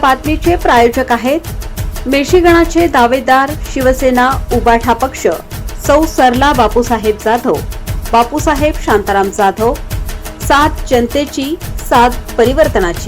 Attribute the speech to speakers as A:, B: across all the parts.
A: बातमीचे प्रायोजक आहेत मेशीगणाचे दावेदार शिवसेना उबाठा पक्ष, सौ सरला बापूसाहेब जाधव, बापूसाहेब शांताराम जाधव, साथ जनतेची, साथ परिवर्तनाची।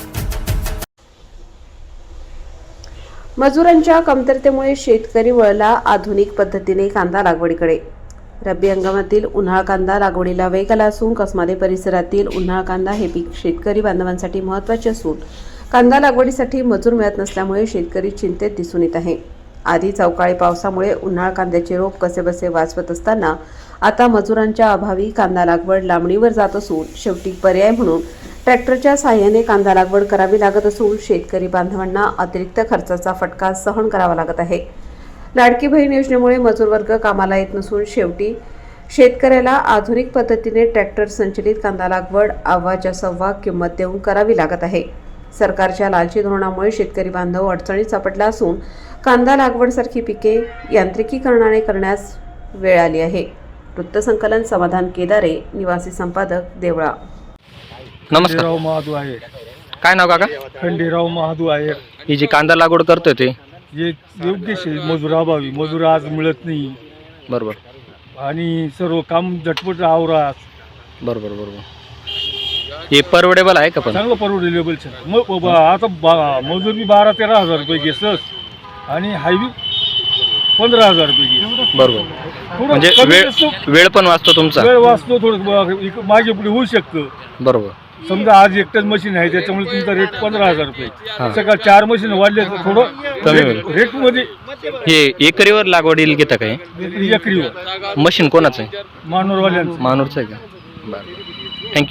A: मजुरांच्या कमतरतेमुळे शेतकरी वळला आधुनिक पद्धतीने कांदा लागवडीकडे। रब्बी हंगामातील उन्हाळ कांदा लागवडीला वेग आला असून कसमादे परिसरातील उन्हाळ कांदा हे पीक शेतकरी बांधवांसाठी महत्त्वाचे असून कांदा लागवडीसाठी मजूर मिळत नसल्यामुळे शेतकरी चिंतेत दिसून येत आहे। आधीच अवकाळी पावसामुळे उन्हाळ कांद्याचे रोप कसेबसे वाचवत असताना आता मजुरांच्या अभावी कांदा लागवड लांबणीवर जात असून शेवटी पर्याय म्हणून ट्रॅक्टरच्या साहाय्याने कांदा लागवड करावी लागत असून शेतकरी बांधवांना अतिरिक्त खर्चाचा फटका सहन करावा लागत आहे। लाडकी बहीण योजनेमुळे मजूर वर्ग कामाला येत नसून शेवटी शेतकऱ्याला आधुनिक पद्धतीने ट्रॅक्टर संचलित कांदा लागवड अव्वाच्या सव्वा किंमत देऊन करावी लागत आहे। सरकारच्या लालची धोरणामुळे शेतकरी बांधव अडचणीत सापडला असून कांदा लागवडसारखी पिके यांत्रिकीकरणाने करण्यास वेळ आली आहे। वृत्तसंकलन समाधान केदारे, निवासी संपादक, देवळा।
B: नमस्कार,
C: खंडेराव महादू आहे।
B: काय नाव काका?
C: खंडेराव महादू आहे।
B: ही जी कांदा लागवड करतोय ते
C: जे योग्य मजुराभावी मजूर आज मिळत नाही,
B: बरोबर,
C: आणि सर्व काम झटपट आवरा।
B: बरोबर बरोबर। हे परवडेबल आहे का? पण
C: चांगलं परवडेबल मग आता मजूर बी 12-13 हजार रुपये घेसस आणि हायवी 15,000 रुपये घे।
B: बरोबर, म्हणजे वेळ पण वाचतो तुमचा,
C: वेळ वाचतो, थोडं मागे पुढे होऊ शकतं।
B: बरोबर,
C: समजा आज एकटच मशीन आहे त्याच्यामुळे तुमचा रेट 15,000 रुपये, सकाळ 4 मशीन वाढले तर थोडं
B: कमी होईल
C: रेट मध्ये।
B: हे एकरीवर लागवडीला घेता काय?
C: एकरीवर
B: मशीन कोणाचं आहे?
C: मानोरवाल्यांचं।
B: मानूरचं आहे का? बरं, थँक्यू।